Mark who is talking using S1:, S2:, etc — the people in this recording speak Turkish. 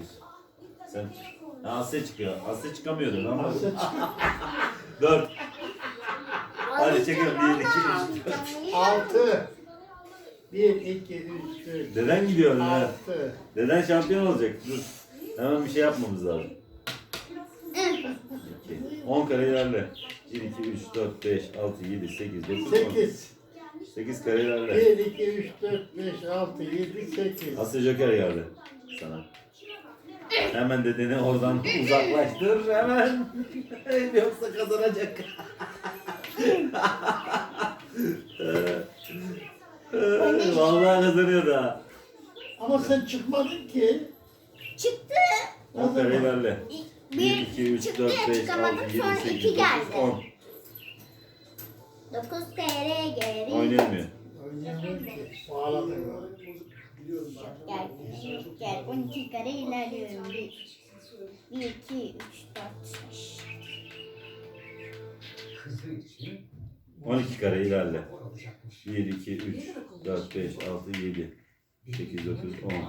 S1: Sen Asya çıkıyor. Asya çıkamıyordun ama.
S2: Asya çık.
S1: 4. Hadi çekelim. 1, 2, 3, 4.
S2: 6. 1, 2, 3, 4.
S1: Deden gidiyor önüne.
S2: 6.
S1: Deden şampiyon olacak. Dur. Hemen bir şey yapmamız lazım. 2. 10 kare ilerle. 1, 2, 3, 4, 5, 6, 7, 8, 9, 10.
S2: 8.
S1: 8 kare ilerle.
S2: 1, 2, 3, 4, 5, 6, 7, 8.
S1: Asya Joker geldi sana. Hemen dedeni oradan uzaklaştır hemen. Yoksa kazanacak. Vallahi kazanıyor da.
S2: Ama sen çıkmadın ki.
S3: Çıktı.
S1: 10 kare ilerle. 1,
S3: 1,
S1: 2, 3,
S3: çıktı
S1: 4,
S3: ya
S1: 5, 6,
S3: çıkamadım
S1: 7,
S3: sonra
S1: 8,
S3: 2
S1: 9,
S3: geldi.
S1: 10.
S3: 9 TL geri.
S1: Oynayamıyor.
S2: Oynayamıyorum ki. Bağladım.
S3: Gel 12 kare ilerliyorum. 1, 2, 3, 4, 5.
S1: 12 kare ilerle. 1, 2, 3, 4, 5, 6, 7, 8, 9, 10.